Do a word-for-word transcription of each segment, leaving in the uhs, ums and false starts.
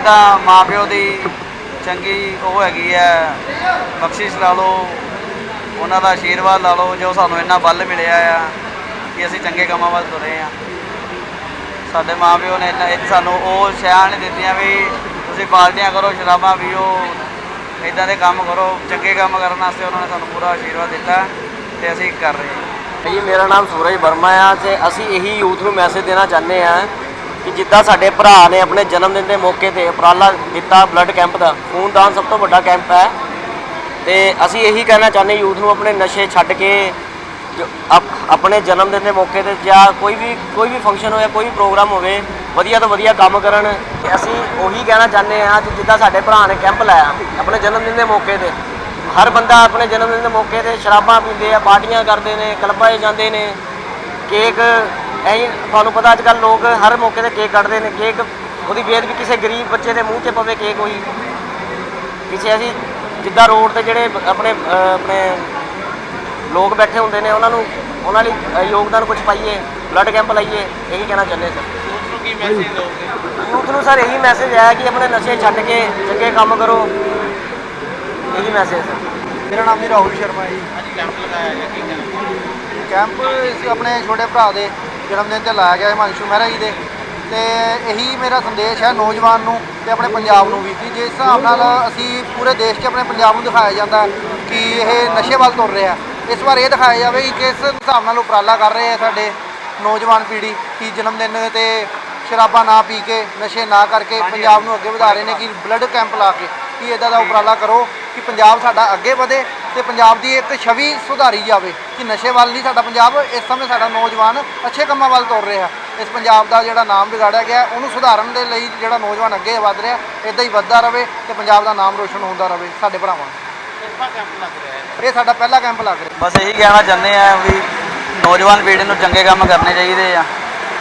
ਤਾਂ ਮਾਂ ਪਿਓ ਦੀ ਚੰਗੀ ਉਹ ਹੈਗੀ ਹੈ, ਬਖਸ਼ਿਸ਼ ਲਾ ਲਓ, ਉਹਨਾਂ ਦਾ ਆਸ਼ੀਰਵਾਦ ਲਾ ਲਓ, ਜੋ ਸਾਨੂੰ ਇੰਨਾ ਬਲ ਮਿਲਿਆ ਆ ਕਿ ਅਸੀਂ ਚੰਗੇ ਕੰਮਾਂ ਵੱਲ ਤੁਰੇ ਹਾਂ। ਸਾਡੇ ਮਾਂ ਪਿਓ ਨੇ ਇੰਨਾ ਸਾਨੂੰ ਉਹ ਸ਼ਹਿਆਂ ਨਹੀਂ ਦਿੱਤੀਆਂ ਵੀ ਤੁਸੀਂ ਪਾਰਟੀਆਂ ਕਰੋ, ਸ਼ਰਾਬਾਂ ਪੀਓ, ਇੱਦਾਂ ਦੇ ਕੰਮ ਕਰੋ। ਚੰਗੇ ਕੰਮ ਕਰਨ ਵਾਸਤੇ ਉਹਨਾਂ ਨੇ ਸਾਨੂੰ ਪੂਰਾ ਆਸ਼ੀਰਵਾਦ ਦਿੱਤਾ ਅਤੇ ਅਸੀਂ ਕਰ ਰਹੇ ਹਾਂ। ਜੀ ਮੇਰਾ ਨਾਮ ਸੂਰਜ ਵਰਮਾ ਆ ਅਤੇ ਅਸੀਂ ਇਹੀ ਯੂਥ ਨੂੰ ਮੈਸੇਜ ਦੇਣਾ ਚਾਹੁੰਦੇ ਹਾਂ ਕਿ ਜਿੱਦਾਂ ਸਾਡੇ ਭਰਾ ਨੇ ਆਪਣੇ ਜਨਮ ਦਿਨ ਦੇ ਮੌਕੇ 'ਤੇ ਉਪਰਾਲਾ ਦਿੱਤਾ ਬਲੱਡ ਕੈਂਪ ਦਾ, ਖੂਨਦਾਨ ਸਭ ਤੋਂ ਵੱਡਾ ਕੈਂਪ ਹੈ, ਅਤੇ ਅਸੀਂ ਇਹੀ ਕਹਿਣਾ ਚਾਹੁੰਦੇ ਯੂਥ ਨੂੰ ਆਪਣੇ ਨਸ਼ੇ ਛੱਡ ਕੇ ਆਪਣੇ ਜਨਮ ਦਿਨ ਦੇ ਮੌਕੇ 'ਤੇ ਜਾਂ ਕੋਈ ਵੀ ਕੋਈ ਵੀ ਫੰਕਸ਼ਨ ਹੋਵੇ, ਕੋਈ ਵੀ ਪ੍ਰੋਗਰਾਮ ਹੋਵੇ, ਵਧੀਆ ਤੋਂ ਵਧੀਆ ਕੰਮ ਕਰਨ। ਅਸੀਂ ਉਹੀ ਕਹਿਣਾ ਚਾਹੁੰਦੇ ਹਾਂ ਕਿ ਜਿੱਦਾਂ ਸਾਡੇ ਭਰਾ ਨੇ ਕੈਂਪ ਲਾਇਆ ਆਪਣੇ ਜਨਮ ਦਿਨ ਦੇ ਮੌਕੇ 'ਤੇ, ਹਰ ਬੰਦਾ ਆਪਣੇ ਜਨਮ ਦਿਨ ਦੇ ਮੌਕੇ 'ਤੇ ਸ਼ਰਾਬਾਂ ਪੀਂਦੇ ਆ, ਪਾਰਟੀਆਂ ਕਰਦੇ ਨੇ, ਕਲੱਬਾਂ 'ਚ ਜਾਂਦੇ ਨੇ, ਕੇਕ ਐਂ ਤੁਹਾਨੂੰ ਪਤਾ ਅੱਜ ਕੱਲ੍ਹ ਲੋਕ ਹਰ ਮੌਕੇ 'ਤੇ ਕੇਕ ਕੱਟਦੇ ਨੇ। ਕੇਕ ਉਹਦੀ ਬੇਅਦਬੀ ਕਿਸੇ ਗਰੀਬ ਬੱਚੇ ਦੇ ਮੂੰਹ 'ਚ ਪਵੇ ਕੇਕ ਹੋਈ ਕਿਸੇ, ਅਸੀਂ ਜਿੱਦਾਂ ਰੋਡ 'ਤੇ ਜਿਹੜੇ ਆਪਣੇ ਆਪਣੇ ਲੋਕ ਬੈਠੇ ਹੁੰਦੇ ਨੇ ਉਹਨਾਂ ਨੂੰ ਉਹਨਾਂ ਲਈ ਯੋਗਦਾਨ ਕੁਛ ਪਾਈਏ, ਬਲੱਡ ਕੈਂਪ ਲਾਈਏ, ਇਹੀ ਕਹਿਣਾ ਚਾਹੁੰਦੇ ਸਰ। ਯੂਥ ਨੂੰ ਕੀ ਮੈਸੇਜ ਦਿਓਗੇ? ਯੂਥ ਨੂੰ ਸਰ ਇਹੀ ਮੈਸੇਜ ਹੈ ਕਿ ਆਪਣੇ ਨਸ਼ੇ ਛੱਡ ਕੇ ਚੰਗੇ ਕੰਮ ਕਰੋ, ਇਹੀ ਮੈਸੇਜ ਸਰ। ਮੇਰਾ ਨਾਮ ਜੀ ਰਾਹੁਲ ਸ਼ਰਮਾ ਜੀ। ਅੱਜ ਕੈਂਪ ਲਗਾਇਆ ਗਿਆ, ਕੀ ਕਹਿਣਾ? ਕੈਂਪ ਇਸ ਆਪਣੇ ਛੋਟੇ ਭਰਾ ਦੇ ਜਨਮ ਦਿਨ 'ਤੇ ਲਾਇਆ ਗਿਆ ਹਿਮਾਂਸ਼ੂ ਮਹਿਰਾ ਜੀ ਦੇ, ਅਤੇ ਇਹੀ ਮੇਰਾ ਸੰਦੇਸ਼ ਹੈ ਨੌਜਵਾਨ ਨੂੰ ਅਤੇ ਆਪਣੇ ਪੰਜਾਬ ਨੂੰ ਵੀ ਕਿ ਜਿਸ ਹਿਸਾਬ ਨਾਲ ਅਸੀਂ ਪੂਰੇ ਦੇਸ਼ 'ਚ ਆਪਣੇ ਪੰਜਾਬ ਨੂੰ ਦਿਖਾਇਆ ਜਾਂਦਾ ਕਿ ਇਹ ਨਸ਼ੇ ਵੱਲ ਤੁਰ ਰਿਹਾ, ਇਸ ਵਾਰ ਇਹ ਦਿਖਾਇਆ ਜਾਵੇ ਕਿ ਕਿਸ ਹਿਸਾਬ ਨਾਲ ਉਪਰਾਲਾ ਕਰ ਰਹੇ ਆ ਸਾਡੇ ਨੌਜਵਾਨ ਪੀੜ੍ਹੀ ਕਿ ਜਨਮ ਦਿਨ 'ਤੇ ਸ਼ਰਾਬਾਂ ਨਾ ਪੀ ਕੇ, ਨਸ਼ੇ ਨਾ ਕਰਕੇ ਪੰਜਾਬ ਨੂੰ ਅੱਗੇ ਵਧਾ ਰਹੇ ਨੇ ਕਿ ਬਲੱਡ ਕੈਂਪ ਲਾ ਕੇ ਕਿ ਇੱਦਾਂ ਦਾ ਉਪਰਾਲਾ ਕਰੋ ਕਿ ਪੰਜਾਬ ਸਾਡਾ ਅੱਗੇ ਵਧੇ ਅਤੇ ਪੰਜਾਬ ਦੀ ਇੱਕ ਛਵੀ ਸੁਧਾਰੀ ਜਾਵੇ ਕਿ ਨਸ਼ੇ ਵੱਲ ਨਹੀਂ ਸਾਡਾ ਪੰਜਾਬ, ਇਸ ਸਮੇਂ ਸਾਡਾ ਨੌਜਵਾਨ ਅੱਛੇ ਕੰਮਾਂ ਵੱਲ ਤੁਰ ਰਿਹਾ। ਇਸ ਪੰਜਾਬ ਦਾ ਜਿਹੜਾ ਨਾਮ ਵਿਗਾੜਿਆ ਗਿਆ ਉਹਨੂੰ ਸੁਧਾਰਨ ਦੇ ਲਈ ਜਿਹੜਾ ਨੌਜਵਾਨ ਅੱਗੇ ਵੱਧ ਰਿਹਾ, ਇੱਦਾਂ ਹੀ ਵੱਧਦਾ ਰਹੇ ਅਤੇ ਪੰਜਾਬ ਦਾ ਨਾਮ ਰੋਸ਼ਨ ਹੁੰਦਾ ਰਹੇ ਸਾਡੇ ਭਰਾਵਾਂ ਨੂੰ। ਕਿਹੜਾ ਕੈਂਪ ਲੱਗ ਰਿਹਾ ਹੈ? ਇਹ ਸਾਡਾ ਪਹਿਲਾ ਕੈਂਪ ਲੱਗ ਰਿਹਾ। ਬਸ ਇਹੀ ਕਹਿਣਾ ਚਾਹੁੰਦੇ ਆ ਵੀ ਨੌਜਵਾਨ ਪੀੜ੍ਹੀ ਨੂੰ ਚੰਗੇ ਕੰਮ ਕਰਨੇ ਚਾਹੀਦੇ ਆ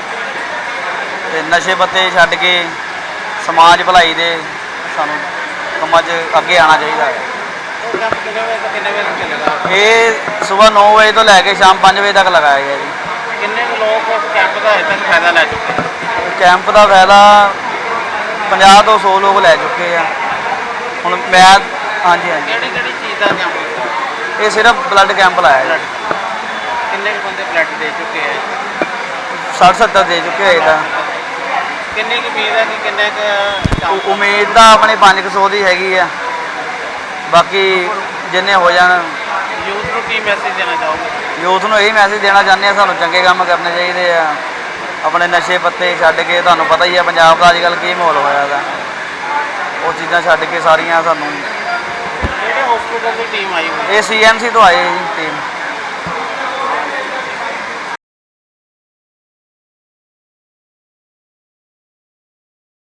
ਅਤੇ ਨਸ਼ੇ ਪੱਤੇ ਛੱਡ ਕੇ ਸਮਾਜ ਭਲਾਈ ਦੇ ਸਾਨੂੰ ਕੰਮਾਂ 'ਚ ਅੱਗੇ ਆਉਣਾ ਚਾਹੀਦਾ ਹੈ। ਇਹ ਕੈਂਪ ਕਿੰਨੇ ਵਜੇ ਤੋਂ ਕਿੰਨੇ ਵਜੇ ਤੱਕ ਚੱਲੇਗਾ? ਇਹ ਸੁਬਾਹ ਨੌ ਵਜੇ ਤੋਂ ਲੈ ਕੇ ਸ਼ਾਮ ਪੰਜ ਵਜੇ ਤੱਕ ਲਗਾਇਆ ਗਿਆ ਜੀ। ਕਿੰਨੇ ਕੁ ਲੋਕ ਇਸ ਕੈਂਪ ਦਾ ਅਜੇ ਤੱਕ ਫਾਇਦਾ ਲੈ ਚੁੱਕੇ ਹਨ? ਕੈਂਪ ਦਾ ਫਾਇਦਾ ਪੰਜਾਹ ਤੋਂ ਸੌ ਲੋਕ ਲੈ ਚੁੱਕੇ ਆ ਹੁਣ। ਮੈਂ ਹਾਂਜੀ ਹਾਂਜੀ ਕਿਹੜੀ ਕਿਹੜੀ ਚੀਜ਼ ਦਾ ਕੈਂਪ ਲੱਗਾ? ਇਹ ਸਿਰਫ ਬਲੱਡ ਕੈਂਪ ਲਾਇਆ ਜੀ। ਕਿੰਨੇ ਕੁ ਬੰਦੇ ਬਲੱਡ ਦੇ ਚੁੱਕੇ ਹੈ? ਸੱਠ ਸੱਤਰ ਦੇ ਚੁੱਕੇ ਹੋਏ ਤਾਂ। ਕਿੰਨੀ ਕੁ ਉਮੀਦ ਹੈ ਕਿ ਕਿੰਨੇ ਕੁ ਉ- ਉਮੀਦ ਤਾਂ ਆਪਣੇ ਪੰਜ ਕੁ ਸੌ ਦੀ ਹੈਗੀ ਆ, ਬਾਕੀ ਜਿੰਨੇ ਹੋ ਜਾਣ। ਯੂਥ ਨੂੰ ਕੀ ਮੈਸੇਜ ਦੇਣਾ ਚਾਹੋਗੇ? ਯੂਥ ਨੂੰ ਇਹੀ ਮੈਸੇਜ ਦੇਣਾ ਚਾਹੁੰਦੇ ਆ ਸਾਨੂੰ ਚੰਗੇ ਕੰਮ ਕਰਨੇ ਚਾਹੀਦੇ ਆ, ਆਪਣੇ ਨਸ਼ੇ ਪੱਤੇ ਛੱਡ ਕੇ। ਤੁਹਾਨੂੰ ਪਤਾ ਹੀ ਆ ਪੰਜਾਬ ਦਾ ਅੱਜ ਕੱਲ੍ਹ ਕੀ ਮਾਹੌਲ ਹੋਇਆ ਦਾ, ਉਹ ਚੀਜ਼ਾਂ ਛੱਡ ਕੇ ਸਾਰੀਆਂ ਸਾਨੂੰ। ਕਿਹੜੇ ਹਸਪੀਟਲ ਦੀ ਟੀਮ ਆਈ ਹੋਈ? ਇਹ ਸੀ ਐਮ ਸੀ ਤੋਂ ਆਏ ਜੀ ਟੀਮ।